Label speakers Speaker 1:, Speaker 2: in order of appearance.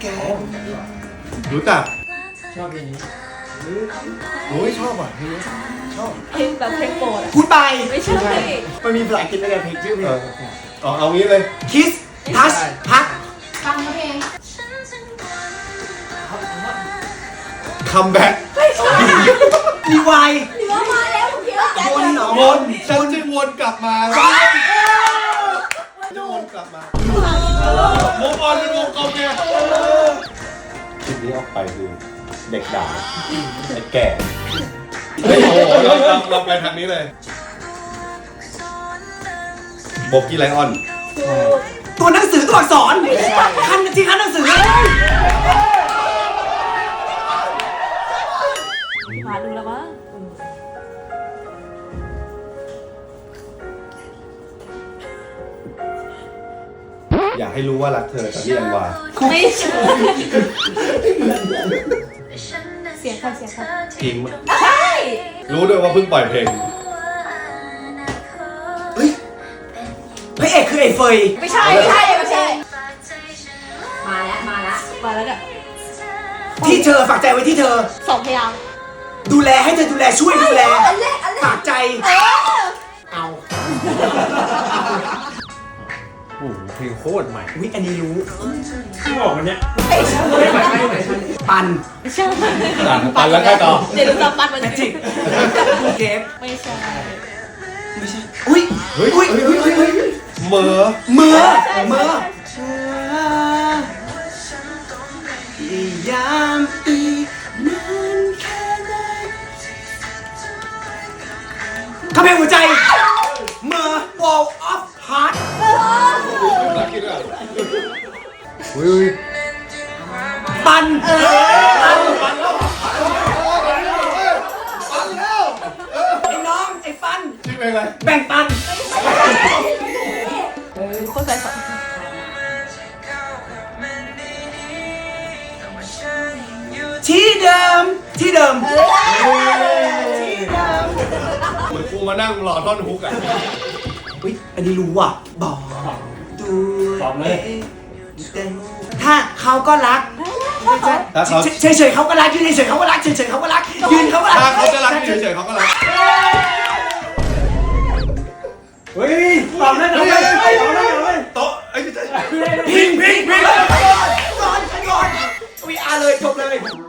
Speaker 1: รู้จัก
Speaker 2: ชอบเพลงนี้
Speaker 1: โอ้ยชอบอ่ะเพลงนี้ชอบ
Speaker 3: เพลงแบบเพลงโปรดอะ
Speaker 4: พูดไป
Speaker 3: ไม่ใช่
Speaker 4: มันมีภาษาอังกฤษด้วยเพลงชื่อเพลง
Speaker 1: เอางี้เลย
Speaker 4: คิสทัชพัก
Speaker 3: ฟังเพลง
Speaker 1: คัมแบ็ก
Speaker 4: รีไวาย
Speaker 3: หรือว่ามาแล้วเยอะแยะ
Speaker 4: วนเหรอ
Speaker 1: วนฉันจะวนกลับมาจะวนกลับมาโมบอลเป็นวงกลมไงคลิปนี้ออกไปคือเด็กด่าไอ้แก่โอ้โหเราไปทางนี้เลยโบกี้ไลออน
Speaker 4: ตัวหนังสือตัวอักษรคันที่คันหนังสือ
Speaker 3: หาดูแล้วมั้ง
Speaker 1: อยากให้รู้ว่ารักเธอกับพี่อันวา
Speaker 3: ไม่ใช่เสียงใครเสียงใคร
Speaker 1: พิง
Speaker 3: ใช่
Speaker 1: รู้ด้วยว่าเพิ่งปล่อยเพลง
Speaker 4: เฮ้ยพระเอกคือไอ้เฟย
Speaker 3: ไม่ใช่ไม่ใช่ไม่ใช่มาแล้วมาแล้วมาแล้วเนี่ย
Speaker 4: ที่เธอฝากใจไว้ที่เธอ
Speaker 3: สองพยางค์
Speaker 4: ดูแลให้เธอดูแลช่วยดูแล
Speaker 3: อันแรก
Speaker 4: ฝากใจ เอา
Speaker 2: โอ้โหเพลงโคตรใหม่
Speaker 4: วิอันนี้รู้
Speaker 2: ที่บอกวันเนี้ย
Speaker 4: ปัน
Speaker 3: ไม่ใช่
Speaker 1: ปันแล้วใกล้ต่อ
Speaker 3: เดี๋ยวดูตามปันมัน
Speaker 4: แมจิกเกฟ
Speaker 3: ไม่ใช่
Speaker 4: ไม่ใช่อุ้ย
Speaker 1: เฮ้ย
Speaker 4: อุ้ยอุ้ยอุ้ยอุ้ย
Speaker 1: เหมอ
Speaker 4: เมื่อเมื่อพยายามอีกนานแค่ไหนข้าเพลงหัวใจเมื่อ wall of heart
Speaker 1: รักคิดอ่ะอุ้ย
Speaker 4: ปันปัน
Speaker 1: ปันแล้ว
Speaker 4: ไอ้น้องไอ้ปัน
Speaker 1: ชื่อเพลงอะไร
Speaker 4: แบ่งปัน
Speaker 3: โคตรใจฝัน
Speaker 4: ที่เดิมที่เดิมที่เดิม
Speaker 1: เหมือนกูมานั่งรอท่อนฮุกอ่ะ
Speaker 4: อุ้ยอันนี้รู้ว่ะบอกดู
Speaker 2: ตอบเลย
Speaker 4: ถ้าเขาก็รัก
Speaker 1: ถ้าเขา
Speaker 4: เฉยๆเขาก็รักยืนเฉยๆเขาก็รักเฉยๆเขาก็รักยืนเขาก็รัก
Speaker 1: ถ้าเขาจะรักเฉยๆเขาก็รัก
Speaker 2: เฮ้ยตอบได้ตอบได้ตอบได้ตอบได้
Speaker 1: โต๊ะไอ้ไม่ใช่
Speaker 4: พิงก่อนวีอาร์เลยจบเลย